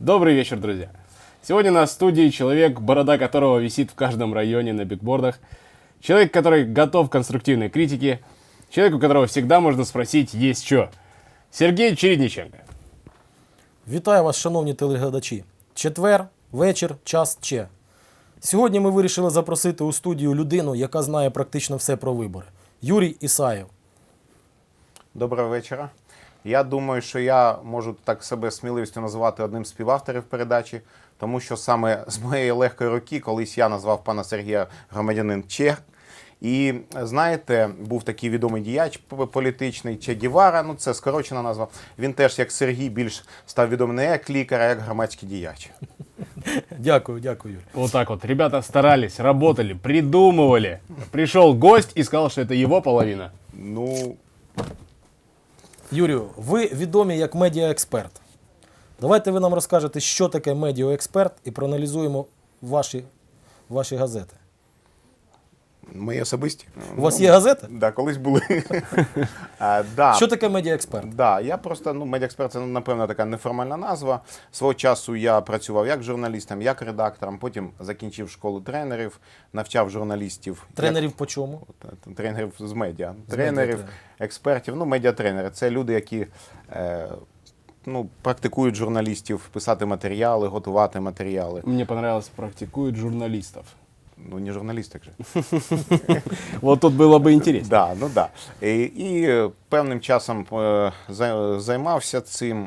Добрый вечер, друзья. Сегодня у нас в студии человек, борода которого висит в каждом районе на бигбордах. Человек, который готов к конструктивной критике. Человек, у которого всегда можно спросить «есть что?». Сергій Чередниченко. Вітаю вас, шановні телеглядачі. Четвер, вечір, час Че. Сьогодні ми вирішили запросити у студію людину, яка знає практично все про вибори. Юрій Ісаєв. Доброго вечора. Я думаю, що я можу так себе сміливістю називати одним з співавторів передачі, тому що саме з моєї легкої руки колись я назвав пана Сергія громадянин Че. І знаєте, був такий відомий діяч політичний Че Гевара, ну це скорочена назва. Він теж, як Сергій, більш став відомий не як лікар, а як громадський діяч. Дякую, Юрій. Вот так вот. Ребята старались, работали, придумывали. Пришел гость и сказал, что это его половина. Ну, Юрію, ви відомі як медіаексперт. Давайте ви нам розкажете, що таке медіаексперт, і проаналізуємо ваші газети. мої особисті. У вас є газети? Да, колись були. Да. Що таке медіаексперт? Да, я просто, медіаексперт – це, напевно, така неформальна назва. Свого часу я працював як журналістом, як редактором, потім закінчив школу тренерів, навчав журналістів. Тренерів по чому? Тренерів з медіа. З Тренерів, медіа. експертів, медіатренери. Це люди, які практикують журналістів, писати матеріали, готувати матеріали. Мне понравилось, практикуют журналистов. Ну, не журналістик же. Вот тут было бы интересно. Да, ну да. І певним часом займався цим,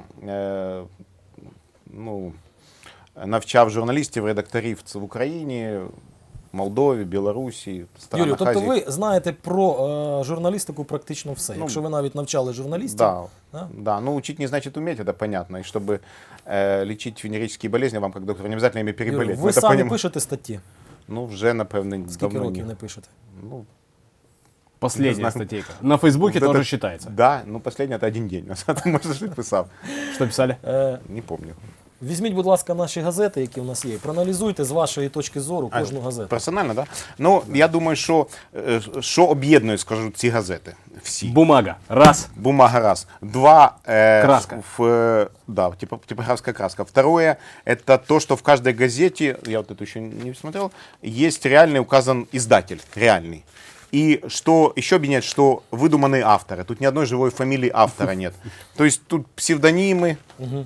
навчав журналістів, редакторів в Україні, Молдові, Білорусі, странах Юрію, тобто Азії. ви знаєте про журналістику практично все. Якщо ви навіть навчали журналістів. Да, да. Ну, учить не значит уметь, это понятно. И чтобы лечить венерические болезни, вам, как доктору, не обязательно ими переболеть. Юрій, ви Мы это самі поним- пишете статті? Ну, вже, напевно, Скільки давно років ні. не пишете? Ну, Последняя знаю. статейка. На Фейсбуке вот тоже это- считается. Да, последний это один день. Назад, может, что писал. Что писали? Не помню. Візьміть, будь ласка, наші газети, які у нас є. Проаналізуйте з вашої точки зору кожну газету. Персонально, да? Ну, я думаю, що об'єднує, скажу, ці газети. Всі. Бумага. Раз. Бумага раз. Два. Краска. Да, типографская краска. Второе, это то, что в каждой газете, я вот эту еще не смотрел, есть реальный указан издатель, реальный. И что еще объединяет, что выдуманные авторы. Тут ни одной живой фамилии автора нет. То есть тут псевдонимы.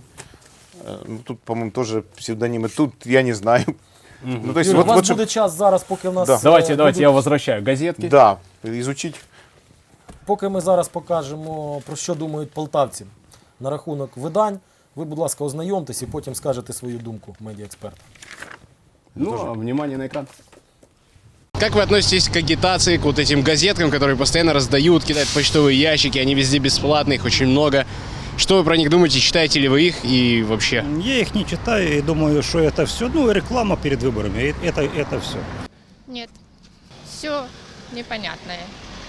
Ну, тут, по-моему, тоже псевдонимы. Тут я не знаю. Ну, то есть, Юрій, у вас что- буде час зараз, поки в нас... Да. Давайте, я возвращаю газетки. Да, изучить. Поки ми зараз покажемо, про що думають полтавці на рахунок видань, ви, будь ласка, ознайомтесь і потім скажете свою думку медіаексперта. Ну, внимание на экран. Как вы относитесь к агитации, к вот этим газеткам, которые постоянно раздают, кидают в почтовые ящики, они везде бесплатные, их очень много. Что вы про них думаете, читаете ли вы их и вообще? Я их не читаю и думаю, что это все, реклама перед выборами, это все. Нет, все непонятное.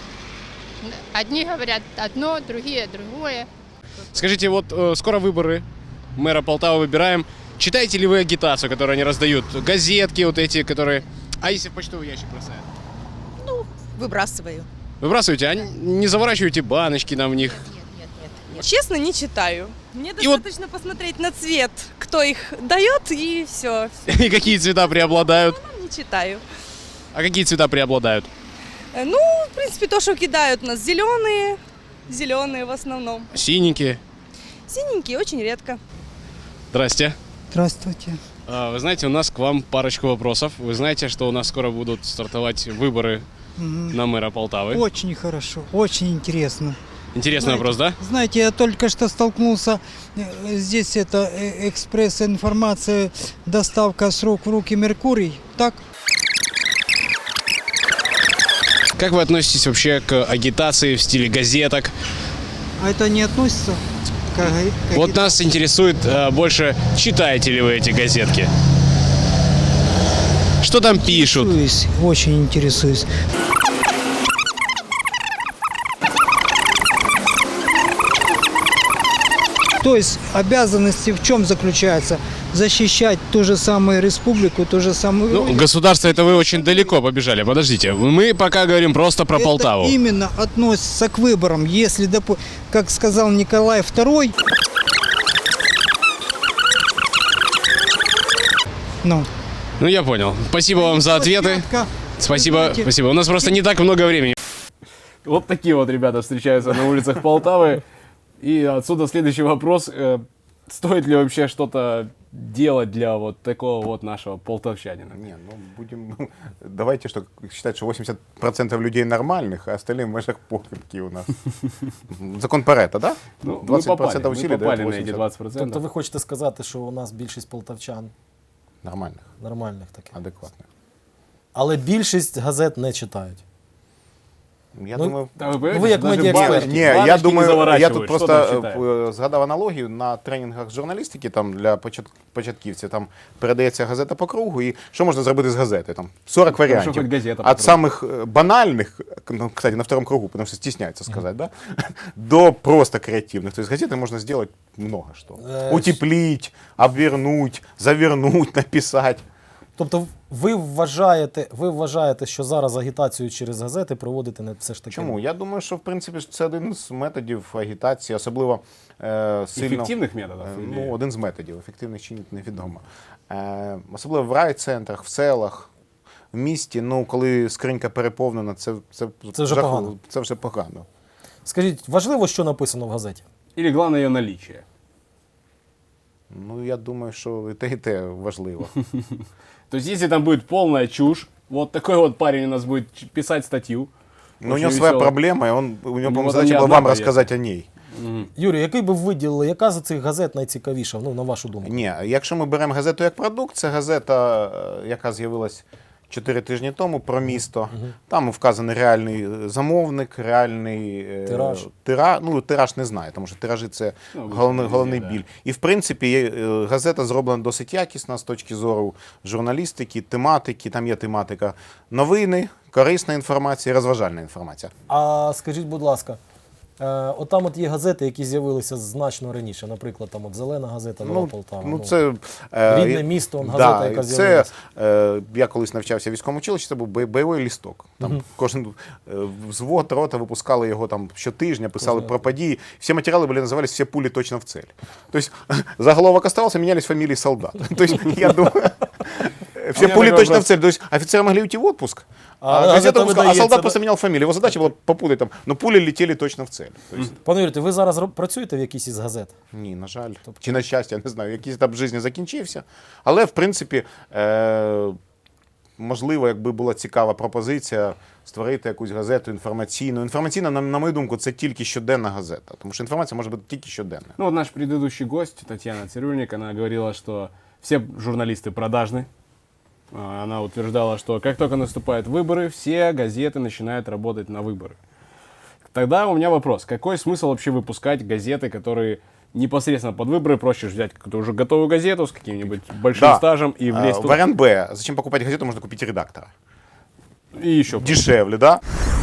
Одни говорят одно, другие другое. Скажите, вот скоро выборы, мэра Полтавы выбираем. Читаете ли вы агитацию, которую они раздают? Газетки вот эти, которые... А если в почтовый ящик бросают? Выбрасываю. Выбрасываете, а не заворачиваете баночки там в них? Нет. Честно, не читаю. Мне И вот- достаточно посмотреть на цвет, кто их дает, и все. И какие цвета преобладают? Не читаю. А какие цвета преобладают? Ну, в принципе, то, что кидают у нас зеленые в основном. Синенькие. Синенькие очень редко. Здрасте. Здравствуйте. Вы знаете, у нас к вам парочку вопросов. Вы знаете, что у нас скоро будут стартовать выборы на мэра Полтавы? Очень хорошо, очень интересно. Интересный Знаете, вопрос, да? Знаете, я только что столкнулся, здесь это экспресс-информация, доставка с рук в руки Меркурий, так? Как вы относитесь вообще к агитации в стиле газеток? А это не относится к Вот нас интересует больше, читаете ли вы эти газетки? Что там пишут? Интересуюсь, очень интересуюсь. То есть обязанности в чем заключаются? Защищать ту же самую республику, ту же самую... Ну, государство, это вы очень далеко побежали. Подождите, мы пока говорим просто про Полтаву. Это именно относится к выборам. Если, как сказал Николай II, Ну, Ну, я понял. Спасибо вам за ответы. площадка, Спасибо, знаете, спасибо. У нас просто не так много времени. Вот такие вот ребята встречаются на улицах Полтавы. И отсюда следующий вопрос. Стоит ли вообще что-то делать для вот такого вот нашего полтавчанина? Не, ну будем, давайте что, считать, что 80% людей нормальных, а остальные в межах похибки у нас. Закон Парето, да? Ну, 20% усилий мы попали дает на эти 80 20%. Тобто ви хочете сказати, що у нас більшість полтавчан нормальных, нормальних таких. адекватных. Але більшість газет не читають. Я Ну, думаю, Да, вы, Ну, вы как медиаэксперт. ні, я думаю, я заворачивают. тут Что там просто читают? згадав аналогію на тренінгах з журналістики там для початківців. Там передається газета по кругу, і що можна зробити з газети? Там 40 Хорошо, варіантів. хоть газета по От кругу. самих банальних, ну, кстати, на втором кругу, потому что стесняется сказать, да, до просто креативных. То есть газеты можно сделать много что. Утеплить, обвернуть, завернуть, написать. Тобто ви вважаєте, що зараз агітацію через газети проводити не все ж таки? Чому? Я думаю, що в принципі це один з методів агітації, особливо сильно... Ефективних методів? Ну, один з методів, ефективних чи ні, невідомо. Особливо в райцентрах, в селах, в місті, ну, коли скринька переповнена, це вже погано. Це вже погано. Скажіть, важливо, що написано в газеті? Или главное ее наличие? Ну, я думаю, що і те важливо. То есть, если там будет полная чушь, вот такой вот парень у нас будет писать статью. Но у очень него своя весело. проблема, и у него, по-моему, вот задача не была одна вам поездка. рассказать о ней. Юрій, який би ви виділили, яка з цих газет найцікавіша, ну, на вашу думку? Ні, якщо ми беремо газету як продукт, це газета, яка з'явилась 4 тижні тому, про місто. Там вказаний реальний замовник, реальний Тираж. Ну, тираж не знаю, тому що тиражі це Ну, головний да. біль. І в принципі газета зроблена досить якісно з точки зору журналістики, тематики, там є тематика новини, корисна інформація, розважальна інформація. А скажіть, будь ласка, отам от є газети, які з'явилися значно раніше, наприклад, там от Зелена газета, Нова Полтава. Ну, це, Рідне місто, газета, яка з'явилася. Я колись навчався в військовому училищі, це був бойовий лісток. Там кожен взвод, рота випускали його там щотижня, писали про події. Всі матеріали були називалися «Всі пулі точно в цель». Тобто заголовок оставался, менялись фамилии солдат. Тобто, я думаю, все пули точно в цель. То есть офицеры могли уйти в отпуск, газета а видається, солдат да? просто менял фамилию. Его задача была попутать там, но пули летели точно в цель. То есть, Пане Юрію, ви зараз працюєте в якійсь із газет? ні, на жаль. Чи на щастя, я не знаю, якийсь етап життя закінчився. Але, в принципі, можливо, якби була цікава пропозиція створити якусь газету інформаційну. Інформаційна, на мою думку, це тільки щоденна газета. Тому що інформація може бути тільки щоденна. Ну вот наш предыдущий гость, Татьяна Цирюльник, она говорила, что все журналисты продажны. Она утверждала, что как только наступают выборы, все газеты начинают работать на выборы. Тогда у меня вопрос, какой смысл вообще выпускать газеты, которые непосредственно под выборы, проще взять какую-то уже готовую газету с каким-нибудь большим стажем и влезть туда. Вариант Б. Зачем покупать газету, можно купить редактора. И еще. Дешевле, да?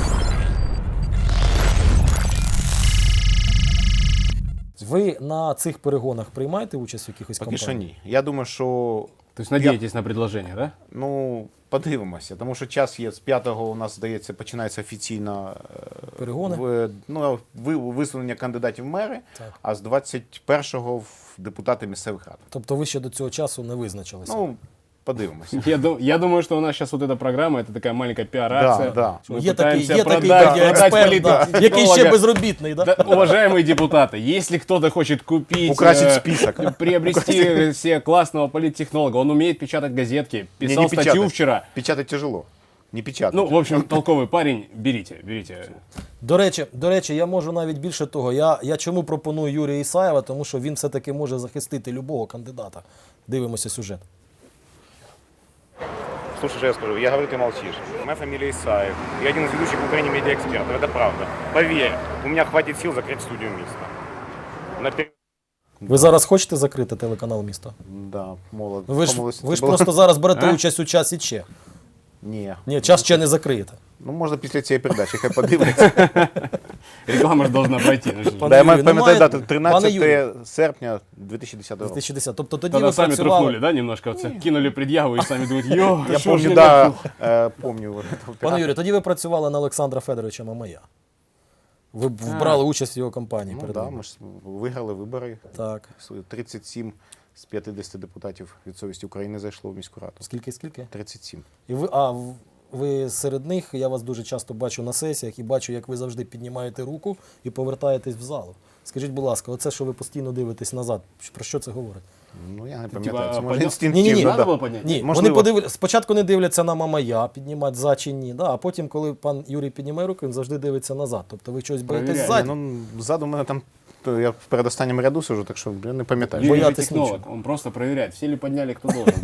Ви на цих перегонах приймаєте участь в якихось Поки що кампаніях? ні. Я думаю, що То есть надеетесь на предложение, да? ну, подивимося, тому що час є. З 5-го у нас, здається, починається офіційно Перегони? висунення кандидатів в мери, Так. а з 21-го в депутати місцевих рад. Тобто ви ще до цього часу не визначилися? Ну, подивимося. Я думаю, что у нас сейчас вот эта программа, это такая маленькая пиар-акция. Да. Мы Є такий, пытаемся є такий продать експерт, да, який ще политтехнолога. безробітний, да? Да, уважаемые депутаты, если кто-то хочет купить, Украсить список. приобрести себе классного политтехнолога, он умеет печатать газетки, писал Не статью печатать. вчера. Печатать тяжело. Не печатать. Ну, в общем, толковый парень, берите. До речі, я можу навіть більше того. Я чому пропоную Юрія Ісаєва, тому що він все-таки може захистити любого кандидата. Дивимося сюжет. Слушай, что я скажу, я говорю, ты молчишь. Моя фамилия Исаев. Я один из ведущих в Украине медиаэкспертов. Это правда. Поверь, у меня хватит сил закрыть студию «Мисто». Ви зараз хочете закрити телеканал «Місто»? Да, молод. Ви ж просто зараз берете участь у часі Че. Ні. Ні, час Че не закриєте. Ну, можна після цієї передачі, хай подивляться. Реклама же должна пройти. Пане Да, я Юрію, пам'ятаю немає- дату, Пане 13 Юрію, серпня 2010 року. 2010. Тобто тоді Тогда ви сами працювали... трухнули, да, немножко? Вот кинули предъяву и сами думают, йо, Я что ж помню, мне да, так? помню. вот этого Пане оператора. Юрію, тоді ви працювали на Олександра Федоровича Мамая. Ви брали участь в його кампанії Ну перед да, вами. ми ж виграли вибори. Так. 37 з 50 депутатів від совісті України зайшло в міську раду. Скільки? 37. І ви серед них, я вас дуже часто бачу на сесіях і бачу, як ви завжди піднімаєте руку і повертаєтесь в залу. Скажіть, будь ласка, оце, що ви постійно дивитесь назад, про що це говорить? Ну, я не Типа, пам'ятаю, це може поднял- інстинктивно. Ні-ні-ні. Надо да. было поднять? Ні, Можливо. вони спочатку не дивляться на Мамая, піднімати за чи ні, да, а потім, коли пан Юрій піднімає руку, він завжди дивиться назад. Тобто ви щось боїтесь Провіряє. ззаді. Ну, ззаду мене там, то я в передостанньому ряду сижу, так що я не пам'ятаю. Юрий Боятись технолог, нічого. он просто проверяет, все ли подняли, кто должен.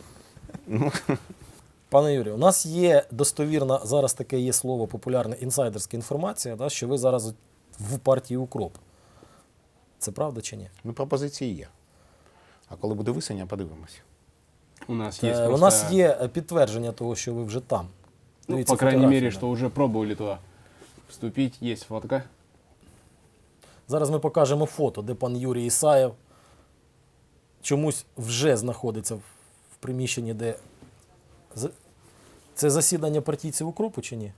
Пане Юрію, у нас є достовірна, зараз таке є слово, популярна інсайдерська інформація, да, що ви зараз в партії «Укроп». Це правда чи ні? Ну, пропозиції є. А коли буде висення, подивимось. У нас есть У просто... нас є підтвердження того, що ви вже там. Ну, Дивіться по крайней фотографії, мере, да. что уже пробовали туда вступить. Есть фотка. Зараз ми покажемо фото, де пан Юрій Ісаєв чомусь вже знаходиться в приміщенні, де... Це засідання партійців «Укропу» чи ні?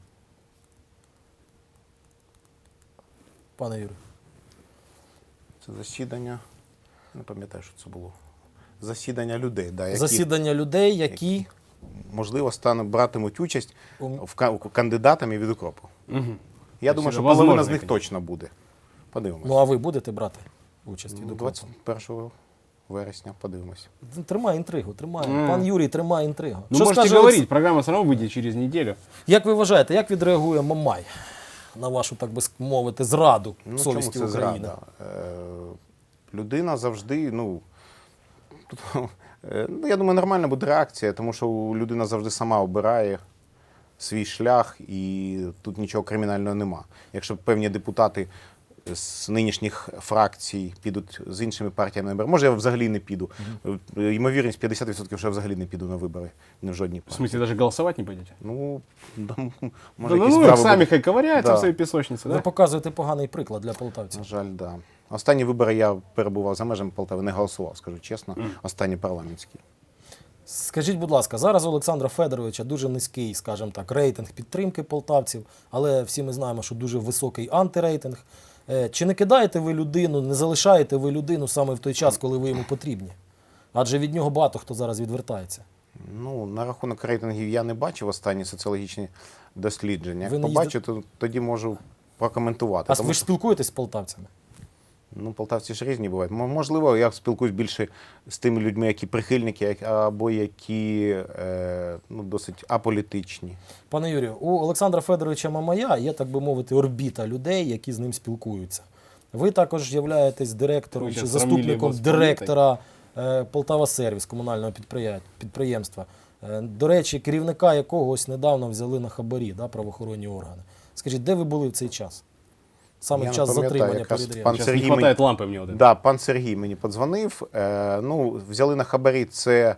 Пане Юрію. Це засідання, не пам'ятаю, що це було. Засідання людей, да, які, Засідання людей, які... можливо, братимуть участь У- в кандидатами від «Укропу». Мгм. Я То думаю, есть що это половина возможно, з них конечно. точно буде. Подивимось. Ну, а ви будете брати участь від «Укропу»? 21 вересня подивимось. Тримає інтригу, тримає. Мгм. Пан Юрій тримає інтригу. Ну, Що можете скаже говорить, программа все равно выйдет через неделю. Як ви вважаєте, як відреагує Мамай на вашу, так би мовити, зраду Ну, совісті чому це України? зрада? Людина завжди, я думаю, нормальна буде реакція, тому що людина завжди сама обирає свій шлях, і тут нічого кримінального нема. Якщо певні депутати з нинішніх фракцій підуть з іншими партіями на вибори, може, я взагалі не піду. Ймовірність 50%, що я взагалі не піду на вибори, не в жодній В партії. смысле, даже голосовать не пойдете? Ну, да, може, Да, якісь ну, справи сами будуть. хай ковыряются Да. в своей песочнице, Ви да? показуєте поганий приклад для полтавців. На жаль, да. Останні вибори я перебував за межами Полтави, не голосував, скажу чесно. Останні парламентські. Скажіть, будь ласка, зараз у Олександра Федоровича дуже низький, скажімо так, рейтинг підтримки полтавців, але всі ми знаємо, що дуже високий антирейтинг. Чи не кидаєте ви людину, не залишаєте ви людину саме в той час, коли ви йому потрібні? Адже від нього багато хто зараз відвертається. Ну, на рахунок рейтингів я не бачив останні соціологічні дослідження. Ви Як не побачу, то тоді можу прокоментувати. А Тому ви ж що, спілкуєтесь з полтавцями? ну, полтавці ж різні бувають. Можливо, я спілкуюсь більше з тими людьми, які прихильники, або які досить аполітичні. Пане Юрію, у Олександра Федоровича Мамая є, так би мовити, орбіта людей, які з ним спілкуються. Ви також являєтесь директором Ви чи щас заступником сравнили його з директора Полтава Сервіс, комунального підприємства. До речі, керівника якогось недавно взяли на хабарі, да, правоохоронні органи. Скажіть, де ви були в цей час? Саме Я в не час пам'ятаю, затримання якраз передряду. пан Сейчас Сергій не хватает лампы мне вот это. Да, пан Сергій мені подзвонив. Взяли на хабарі це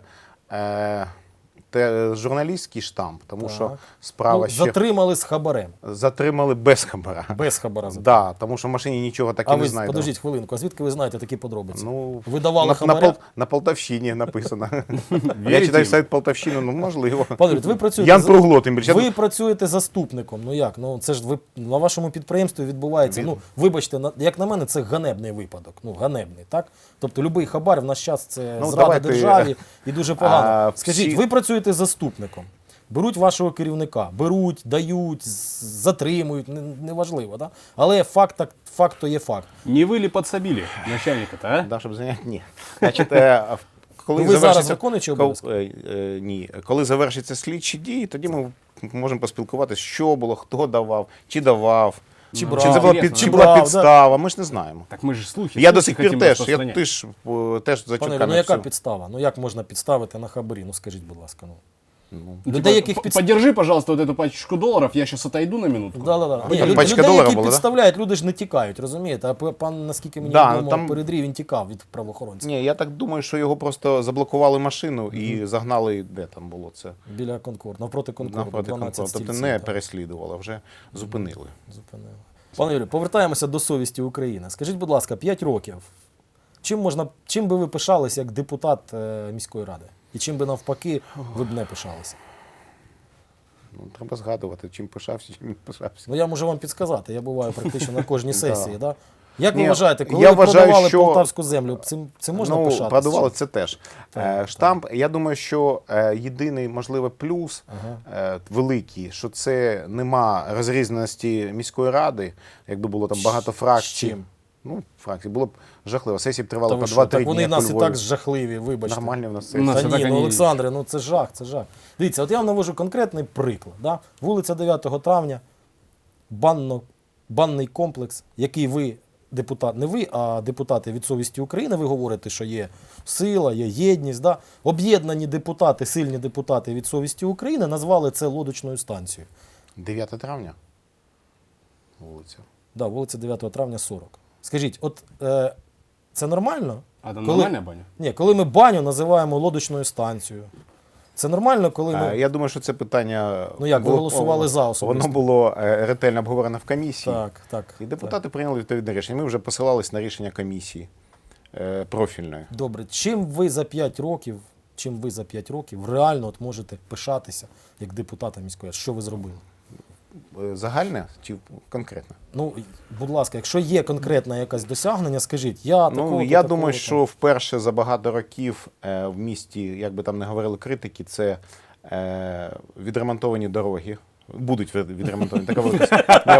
журналістський штамп, тому що Так. справа Ну, ще затримали з хабарем. затримали без хабара. Без хабара затримали. Да, тому що в машині нічого так і А не ви, знайдено. подождіть хвилинку, а звідки ви знаєте такі подробиці? Ну, Ви давали на хабаря? на Полтавщині написано. Я Вірите читаю їм? сайт Полтавщини, ну можливо. Пане Юрій, ви працюєте Ян Пругло, тим більше. Ви працюєте заступником. Ну як? Ну це ж ви на вашому підприємстві відбувається. Ну вибачте, як на мене, це ганебний випадок. Ну ганебний, так? Тобто будь-який хабар в наш час це Ну, зрада давайте, державі і дуже погано. всі- Скажіть, ви працюєте заступником. Беруть вашого керівника, беруть, дають, затримують, неважливо, да? Але факт то є факт. Не вы ли подсобили начальника-то, а? Да, щоб зайняти? Ні. Значить, коли Ну, ви зараз завершиться- виконуючий кол- обов'язки? Ні. Коли завершаться слідчі дії, тоді ми можемо поспілкуватися, що було, хто давав, чи давав. Чи Ну, брав, Чи це була, Інтересно. чи Чи була брав, да. підстава, ми ж не знаємо. Так мы же слухи. Я до слухи сих пір хотим теж, распространять. теж за Пане Юрій, чутками. ну яка все. підстава? Ну як можна підставити на хабарі? Ну скажіть, будь ласка. Ну. Ну, Ну, Людей, яких Подержи, пожалуйста, вот эту пачку долларов, я сейчас отойду на минутку. Да. ви там пачка Людей, доларів які була, да? підставляють, люди ж не тікають, розумієте? А пан, наскільки мені Да, відомо, там- передрів, він тікав від правоохоронців. Ні, я так думаю, що його просто заблокували машину і загнали, де там було це? Біля Конкорд, навпроти Конкорду, Навпроти 12 Конкорду. Тобто стільців, не так, переслідували, а вже зупинили. зупинили. Пане Юрію, повертаємося до совісті України. Скажіть, будь ласка, 5 років. Чим би ви пишалися як депутат міської ради? І чим би навпаки ви б не пишалися? Ну, треба згадувати, чим пишався, чим не пишався. Ну я можу вам підсказати, я буваю практично на кожній сесії. Да. Як ви Ні, вважаєте, коли я ви вважаю, продавали що- полтавську землю, цим можна пишатися? продавали це теж. Так, Штамп, я думаю, що єдиний, можливо, плюс великий, що це нема розрізненості міської ради, якби було там багато фракцій. З чим? Ну, фракцій. Було б жахливо. Сесії б Та тривали ви по що, 2-3 так дні, вони як нас у і Львові. так жахливі, вибачте. Нормальні в нас У сесії. нас Та це ні, так ну і є. Олександре, ну це жах, це жах. Дивіться, от я вам навожу конкретний приклад. Да? Вулиця 9 травня, банний комплекс, який ви, депутат, не ви, а депутати від совісті України, ви говорите, що є сила, є єдність. Да? Об'єднані депутати, сильні депутати від совісті України назвали це лодочною станцією. 9 травня? Вулиця. Да, вулиця 9 травня 40. Скажіть, от це нормально? А там Коли- нормальная баня? Ні, коли ми баню називаємо лодочною станцією. Це нормально, коли ми... Я думаю, що це питання... Ну як, ви голосували за особисто? Воно було ретельно обговорено в комісії. Так, так. І депутати прийняли відповідне рішення. Ми вже посилались на рішення комісії профільної. Добре, чим ви за 5 років реально от можете пишатися як депутата міської ради? Що ви зробили? Загальне чи конкретне? Ну, будь ласка, якщо є конкретне якесь досягнення, скажіть, я такого. Ну, я думаю, що вперше за багато років в місті, як би там не говорили критики, це відремонтовані дороги. Будуть відремонтовані. Така велика.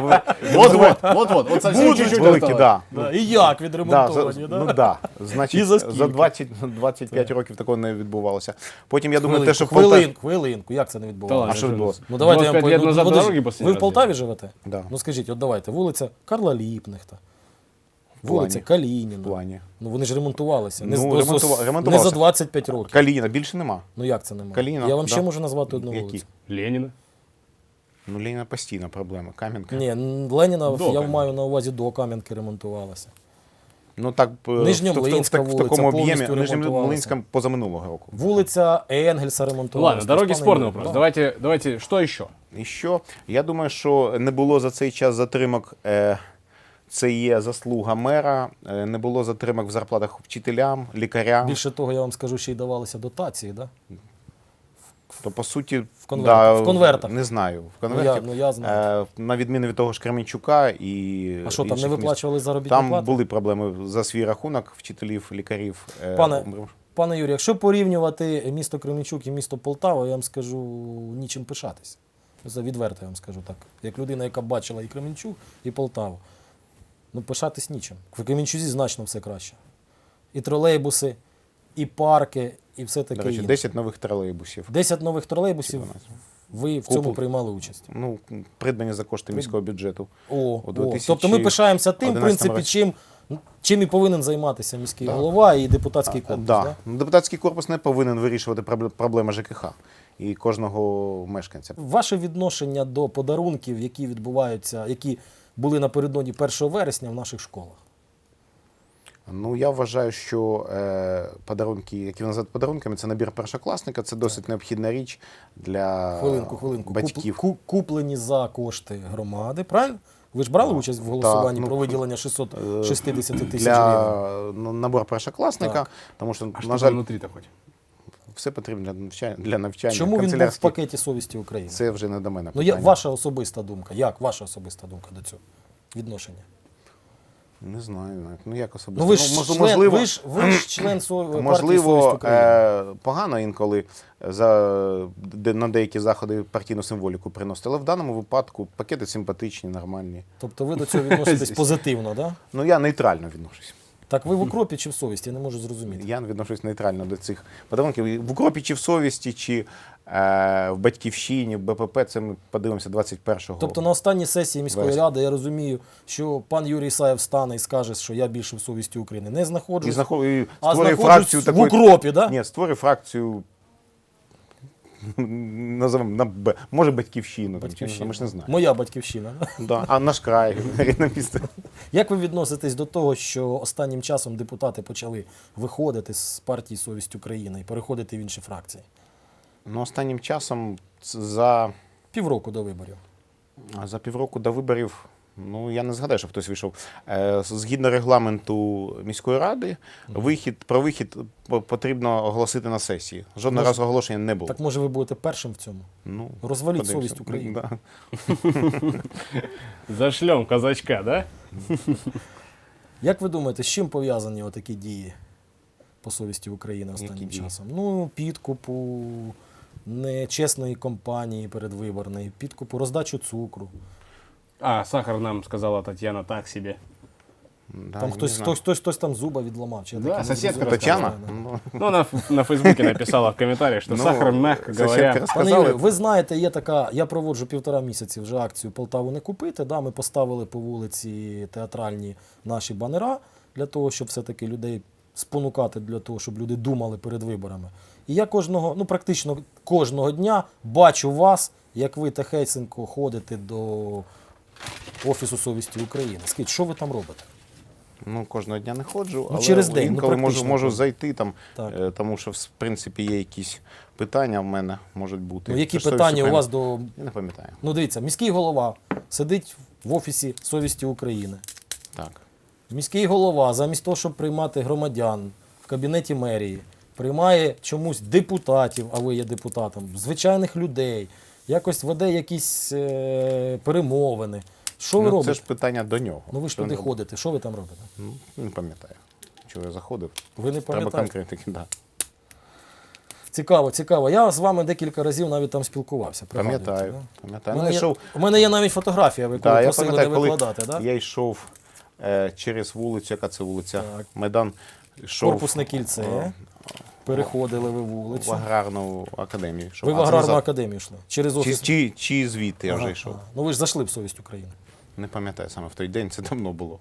Вот, вот совсем чуть-чуть Великі, осталось. да. І як Да, відремонтовані, ну да? да. Значить, І за скільки? за 25 років такого не відбувалося. Потім, я думаю, те, що Хвилинку, як це не Да відбувалося? ладно, А що відбулося? Ну давайте я 25 лет назад подожди, дороги после ви в Полтаві живете? Да. Ну скажіть, от давайте, вулиця Карла Ліпнехта, В плані. вулиця Калініна. В плані. Ну вони ж ремонтувалися. Ну, не ремонтувалися. за 25 років. Калініна більше нема. Ну як це немає? Калініна, Я вам да. ще можу назвати одну Які? вулицю. Ленина. Ну, Леніна постійна проблема. Кам'янка. Ні, Леніна, До я Кам'янки. маю на увазі до Кам'янки ремонтувалася. Ну так Нижньомлинська в такому вулиця об'ємі. повністю Нижньомлинська позаминулого року. Вулиця Енгельса ремонтувалася. Ладно, дороги Пане спорный Юрій, вопрос. да. Давайте, что еще? І що? Я думаю, що не було за цей час затримок. Це є заслуга мера. Не було затримок в зарплатах вчителям, лікарям. Більше того, я вам скажу, ще й давалися дотації, да? То по суті, в конвертах. Не знаю. В Ну, конвертах. я знаю. На відміну від того ж Кременчука і А що, там не інших міст. виплачували заробітні Там плати? були проблеми за свій рахунок вчителів, лікарів. Пане Юрію, якщо порівнювати місто Кременчук і місто Полтава, я вам скажу, нічим пишатися. Це відверто, я вам скажу так. Як людина, яка бачила і Кременчук, і Полтаву. Ну, пишатись нічим. В Кременчузі значно все краще. І тролейбуси, і парки, і все таке До речі, інше. 10 нових тролейбусів. 10 нових тролейбусів, ви в цьому Купу. приймали участь. Ну, придбані за кошти міського бюджету. О, У 2011 тобто ми пишаємося тим, в 11 принципі, році. чим і повинен займатися міський голова і депутатський корпус. Да. Да? Ну, депутатський корпус не повинен вирішувати проблеми ЖКХ і кожного мешканця. Ваше відношення до подарунків, які відбуваються, які були напередодні 1 вересня в наших школах? Ну, я вважаю, що подарунки, які називають подарунками, це набір першокласника, це досить необхідна річ для Хвилинку. батьків. Куплені за кошти громади, правильно? Ви ж брали участь в голосуванні ну, про виділення 660 тисяч гривень? Для набору першокласника, Так. тому що, А что на там жаль, внутри-то хоть? все потрібно для навчання. Чому він був в канцелярських. пакеті совісті України? Це вже не до мене Ну, питання. ваша особиста думка. Як ваша особиста думка до цього відношення? Не знаю, навіть. Ну як особисто. Ну, ви ж Ну, член, можливо, ви ж член партії «Совість можливо, України». погано інколи на деякі заходи партійну символіку приносити, але в даному випадку пакети симпатичні, нормальні. Тобто ви до цього відноситесь позитивно, да? Ну я нейтрально відношусь. Так ви в укропі чи в совісті? Я не можу зрозуміти. Я відношусь нейтрально до цих подарунків. В укропі чи в совісті, чи в батьківщині, в БПП, це ми подивимося 21-го. Тобто на останній сесії міської Вересня. ради я розумію, що пан Юрій Ісаєв стане і скаже, що я більше в совісті України. Не І знаходжусь, і а створює знаходжусь фракцію в такої. укропі, да? Ні, створює фракцію. Назовемо на Б. Може батьківщину. Батьківщина. Ми ж не знаємо. Моя батьківщина. Да. А наш край, рідне місто. Як ви відноситесь до того, що останнім часом депутати почали виходити з партії «Совість України» і переходити в інші фракції? Ну, останнім часом за Півроку до виборів. півроку до виборів, ну я не згадаю, що хтось вийшов. Згідно регламенту міської ради, про вихід потрібно оголосити на сесії. Жодного разу оголошення не було. Так може ви будете першим в цьому? Ну, Розваліть подивимося. совість України. Да. Зашлем казачка, да? Як ви думаєте, з чим пов'язані отакі дії по совісті України останнім Які дії? часом? Ну, підкупу, нечесної кампанії передвиборної, підкупу, роздачу цукру. А, сахар нам сказала Татьяна так себе. Да, Там не хтось, знаю. хтось там зуба відламав. Чи я Да, таке не сусідка зрозумів. Тетяна? Да. Ну, Ну, она на Фейсбуке написала в комментариях, что ну, сахар, мягко соседка говоря... Пане рассказала. Юрію, ви знаєте, є така, я проводжу 1,5 місяці вже акцію «Полтаву не купити». Да, ми поставили по вулиці театральні наші банера для того, щоб все-таки людей спонукати, для того, щоб люди думали перед виборами. І я практично кожного дня бачу вас, як ви тихесенько ходите до Офісу совісті України. Скажіть, що ви там робите? Ну, кожного дня не ходжу, але через день, інколи практично можу кожен. зайти там, Так. тому що, в принципі, є якісь питання в мене можуть бути. Ну, які Це ж питання совість у вас України. до... Я не пам'ятаю. Ну, дивіться, міський голова сидить в Офісі совісті України. Так. Міський голова, замість того, щоб приймати громадян в кабінеті мерії, приймає чомусь депутатів, а ви є депутатом, звичайних людей, якось веде якісь перемовини. Що ви Ну, робите? це ж питання до нього. Ну ви ж Що туди він- ходите, що ви там робите? Ну, не пам'ятаю. Чого я заходив? Ви не Треба пам'ятаєте? конкретики, да. Цікаво, цікаво. Я з вами декілька разів навіть там спілкувався. пригадуєте, Пам'ятаю. да? Пам'ятаю. У Ну, мене, я йшов, у мене є навіть фотографія, ви коли да, я просили не пам'ятаю, коли викладати, да? я йшов через вулицю, яка це вулиця? Так. Майдан. Йшов Корпусне кільце, переходили ви в вулицю. аграрну академію. йшов. Ви в А це аграрну назад. академію йшли? Через Чи, офіс? чи звідти я вже Ага, йшов. ага. Ну ви ж зайшли в совість України. Не пам'ятаю саме в той день, це давно було.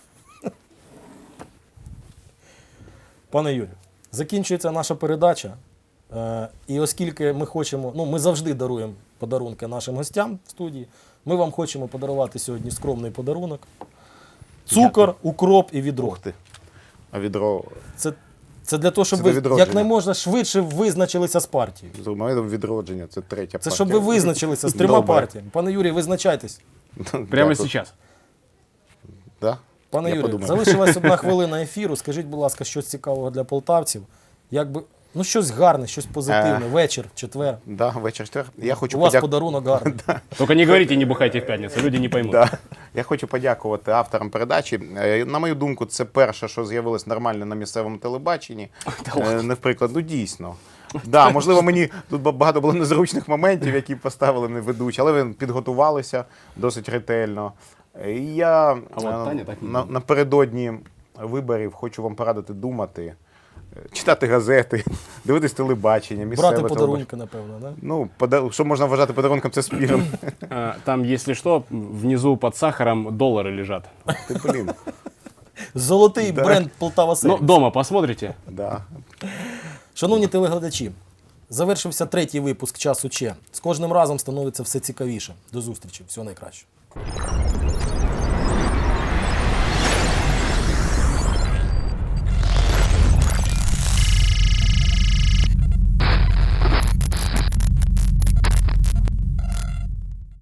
Пане Юрію, закінчується наша передача. І оскільки ми хочемо, ми завжди даруємо подарунки нашим гостям в студії, ми вам хочемо подарувати сьогодні скромний подарунок. Цукор, укроп і відро. Ух ти. А відро. Це для того, щоб Це до ви відродження. якнайможна швидше визначилися з партією. З моментом відродження, це третя Це партія. щоб ви визначилися з 3 Добре. партіями. Пане Юрій, визначайтесь. Прямо Дякую. сейчас. Да? Пане Я Юрію, подумаю. залишилась 1 хвилина ефіру. Скажіть, будь ласка, щось цікавого для полтавців. Щось гарне, щось позитивне. Вечір, четвер. Да, вечір четвер. Я хочу У вас подарунок гарний. Только не говорите, не бухайте в пятницу, люди не поймут. Да. Я хочу подякувати авторам передачі. На мою думку, це перше, що з'явилось нормально на місцевому телебаченні. Наприклад, ну дійсно. Да, можливо, мені тут багато було незручних моментів, які поставили не ведучі, але ви підготувалися досить ретельно. І я от Таня так не напередодні виборів хочу вам порадити думати, читати газети, дивитись телебачення, місцеве Брати телебачення. подарунки, напевно, да? Ну, що можна вважати подарунком, це спіром. Там, если что, внизу под сахаром доллары лежат. Ти, блін, Золотий бренд Полтава Ну, Сервіс. дома посмотрите. да. Шановні телеглядачі, завершився 3-й випуск «Часу Че». З кожним разом становиться все цікавіше. До зустрічі. Всього найкращого.